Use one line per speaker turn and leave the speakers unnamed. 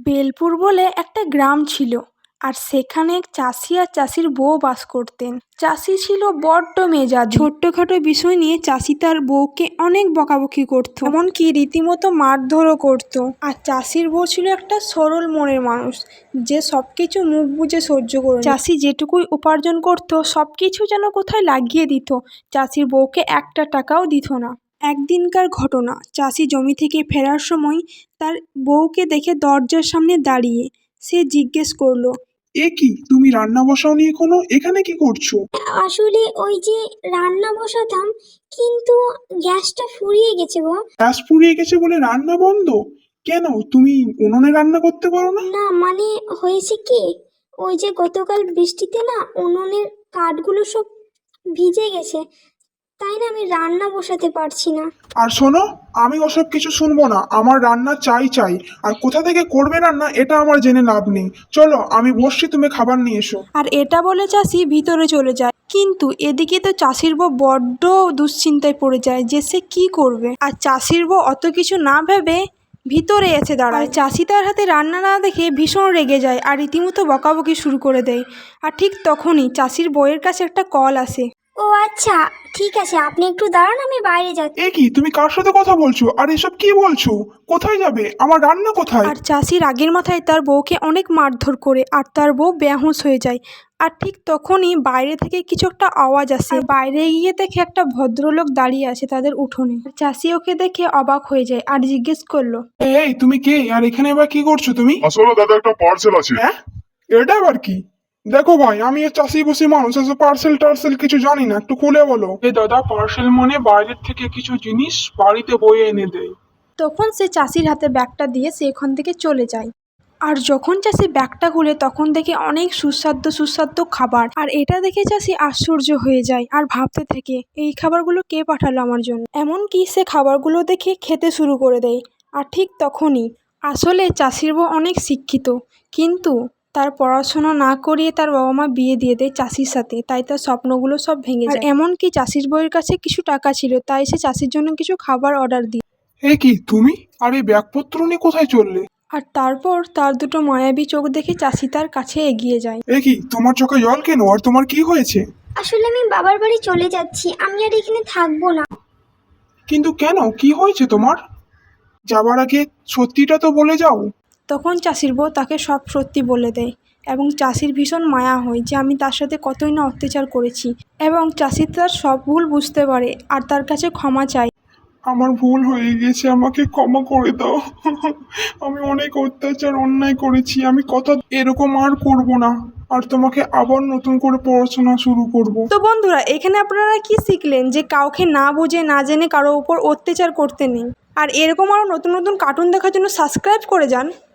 বেলপুর বলে একটা গ্রাম ছিল, আর সেখানে এক চাষি আর চাষির বউ বাস করতেন। চাষি ছিল বড্ড মেজাজি। ছোট্টখাটো বিষয় নিয়ে চাষি তার বউকে অনেক বকাবকি করত, এমনকি রীতিমতো মারধরও করত। আর চাষির বউ ছিল একটা সরল মনের মানুষ, যে সবকিছু মুখ বুজে সহ্য করে। চাষি যেটুকুই উপার্জন করত সবকিছু যেন কোথায় লাগিয়ে দিত, চাষির বউকে একটা টাকাও দিত না। একদিনকার ঘটনা, চাষি জমি থেকে ফেরার সময় তার বউকে দেখে দরজার সামনে দাঁড়িয়ে সে জিজ্ঞেস করলো,
এ কি, তুমি রান্না বসাওনি এখনো? এখানে কি করছো?
আসলে ওই যে রান্না বসাতাম, কিন্তু গ্যাসটা ফুরিয়ে গেছে গো।
গ্যাস ফুরিয়ে গেছে বলে রান্না বন্ধ? কেন, তুমি উনুনে রান্না করতে পারো না?
না মানে হয়েছে কি, ওই যে গতকাল বৃষ্টিতে না উনুনের কাঠগুলো সব ভিজে গেছে, তাই না আমি রান্না বসাতে পারছি না।
আর শোনো, আমি ওসব কিছু শুনবো না। আমার রান্না চাই চাই। আর কোথা থেকে করবে রান্না এটা আমার জেনে লাভ নেই। চলো আমি বসছি, তুমি খাবার নিয়ে এসো।
আর এটা বলে চাষি ভিতরে চলে যায়। কিন্তু এদিকে তো চাষির বউ বড্ড দুশ্চিন্তায় পড়ে যায় যে সে কি করবে। আর চাষির বউ অত কিছু না ভেবে ভিতরে এসে দাঁড়ায়। চাষি তার হাতে রান্না না দেখে ভীষণ রেগে যায় আর রীতিমতো বকাবকি শুরু করে দেয়। আর ঠিক তখনই চাষির বউয়ের কাছে একটা কল আসে।
ও আচ্ছা, ঠিক আছে, আপনি একটু দাঁড়ান, আমি বাইরে যাচ্ছি।
এ কি, তুমি কার সাথে কথা বলছো? আর এসব কি বলছো? কোথায় যাবে? আমার রান্না কোথায়?
আর চাষি রাগের মাথায় তার বউকে অনেক মারধর করে, আর তার বউ বেহুঁশ হয়ে যায়। আর ঠিক তখনই বাইরে থেকে কিছু একটা আওয়াজ আসে। বাইরে গিয়ে দেখে একটা ভদ্রলোক দাঁড়িয়ে আছে তাদের উঠোনে। চাষি ওকে দেখে অবাক হয়ে যায় আর জিজ্ঞেস করলো,
এই তুমি কে? আর এখানে এবার কি করছো তুমি?
আসলে দাদা একটা পার্সেল আছে।
হ্যাঁ, এটা আবার কি? দেখো ভাই, আমি চাষি বসি মানুষ, এসব পার্সেল টার্সেল কিছু জানি না, একটু খুলে বলো। এই দাদা, পার্সেল মানে বাইরের থেকে কিছু জিনিস বাড়িতে বয়ে এনে দেয়।
তখন সে চাষির হাতে ব্যাগটা দিয়ে সে ওখান থেকে চলে যায়। আর যখন চাষি ব্যাগটা খুলে তখন দেখে অনেক সুস্বাদু সুস্বাদু খাবার। আর এটা দেখে চাষি আশ্চর্য হয়ে যায় আর ভাবতে থাকে, এই খাবারগুলো কে পাঠালো আমার জন্য। এমনকি সে খাবারগুলো দেখে খেতে শুরু করে দেয়। আর ঠিক তখনই আসলে চাষির বউ অনেক শিক্ষিত, কিন্তু তার পড়াশোনা না করিয়ে তার বাবা মা বিয়ে দিয়ে দেয় চাষির সাথে, তাই তার স্বপ্নগুলো সব ভেঙে যায়। এমনকি চাষির বউয়ের কাছে কিছু টাকা ছিল, তাই সে চাষির জন্য কিছু খাবার অর্ডার দিই।
এ কি তুমি, আর এই ব্যাগপত্র নিয়ে কোথায় চললে?
আর তারপর তার দুটো মায়াবী চোখ দেখে চাষি তার কাছে এগিয়ে যায়।
এ কি, তোমার চোখে জল কেন? আর তোমার কি হয়েছে?
আসলে আমি বাবার বাড়ি চলে যাচ্ছি, আমি আর এখানে থাকবো না।
কিন্তু কেন, কি হয়েছে তোমার? যাবার আগে সত্যিটা তো বলে যাও।
তখন চাষির বউ তাকে সব সত্যি বলে দেয়, এবং চাষির ভীষণ মায়া হয় যে আমি তার সাথে কতই না অত্যাচার করেছি। এবং চাষি তার সব ভুল বুঝতে পারে আর তার কাছে ক্ষমা চায়।
আমার ভুল হয়ে গেছে, আমাকে ক্ষমা করে দাও। আমি অনেক অত্যাচার অন্যায় করেছি, আমি কথা এরকম আর করব না। আর তোমাকে আবার নতুন করে পড়াশোনা শুরু করব।
তো বন্ধুরা, এখানে আপনারা কি শিখলেন? যে কাউকে না বুঝে না জেনে কারো উপর অত্যাচার করতে নেই। আর এরকম আরও নতুন নতুন কার্টুন দেখার জন্য সাবস্ক্রাইব করে যান।